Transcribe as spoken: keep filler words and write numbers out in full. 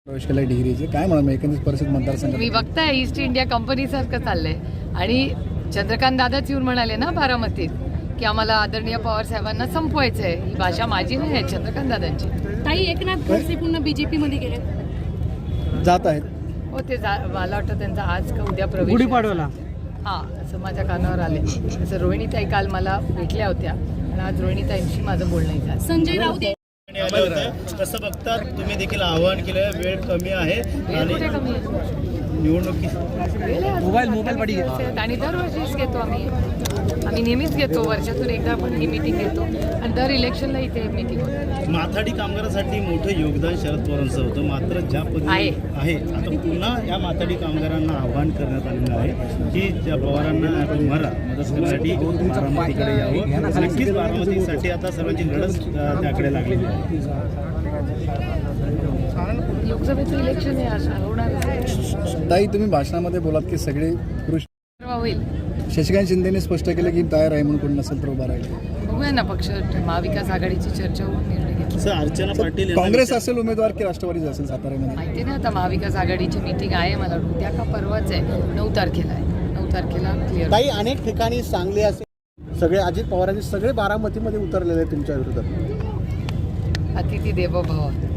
प्रवेश केला डिग्रीचे काय म्हणा एकंदरीत परिस्थिती मतदारसंघात मी बघताय ईस्ट इंडिया कंपनीसारखं चाललंय आणि चंद्रकांत दादाच येऊन म्हणाले ना बारामतीत की आम्हाला आदरणीय पवार साहेबांना संपवायचं आहे. ही भाषा माझी नाही आहे, चंद्रकांत दादांची. ताई एकनाथ खडसे पुन्हा बीजेपी मध्ये गेले जात आहेत. हो ते जा- मला वाटतं त्यांचा आज का उद्या प्रवेश गुढीपाडव्याला हा असं माझ्या कानावर आले. असं रोहिणीताई काल मला भेटल्या होत्या आणि आज रोहिणीताईंशी माझं बोलणं झालं. संजय राऊत आले होते. कसं बघता तुम्ही देखील आवाहन केलं, वेळ कमी आहे आणि कुठे कमी आहे? निवडणुकी मोबाईल मोबाईल पाठी घे. आणि दरवर्षीच घेतो आम्ही आम्ही नेहमीच घेतो. वर्षातून एकदा आपण ही मीटिंग घेतो आणि दर इलेक्शनला इथे मीटिंग होते. माथाडी कामगारांसाठी मोठं योगदान शरद पवारांचं होतं. मात्र ज्या पद्धतीने आहे. आहे आता पुन्हा या माथाडी कामगारांना आवाहन करण्यात आलेलं आहे की ज्या पवारांना तुम्हाला मदत करण्यासाठी बारामतीकडे यावं. नक्कीच बारामतीसाठी आता सर्वांची लढत अ, त्याकडे लागलेली आहे. लोकसभेचं इलेक्शन आहे आज होणार ताई तुम्ही भाषणामध्ये बोलात की सगळे पुरुष होईल. शशिकांत शिंदेने स्पष्ट केलं की तयार आहे म्हणून कोणी नसेल तर उभा राहील. बघूया ना पक्ष महाविकास आघाडीची चर्चा होऊन निर्णय घेतला. असं अर्चना पाटील यांना काँग्रेस असेल उमेदवार की राष्ट्रवादीच असेल साताऱ्यामध्ये माहिती नाही आता महाविकास आघाडीची मीटिंग आहे मला वाटतं उद्या का परवाच आहे. नऊ तारखेला आहे. नऊ तारखेला क्लिअर. ताई अनेक ठिकाणी सांगली असे सगळे अजित पवारांचे सगळे बारामतीमध्ये उतरलेले आहेत तुमच्या विरोधात. अतिथी देवो भव.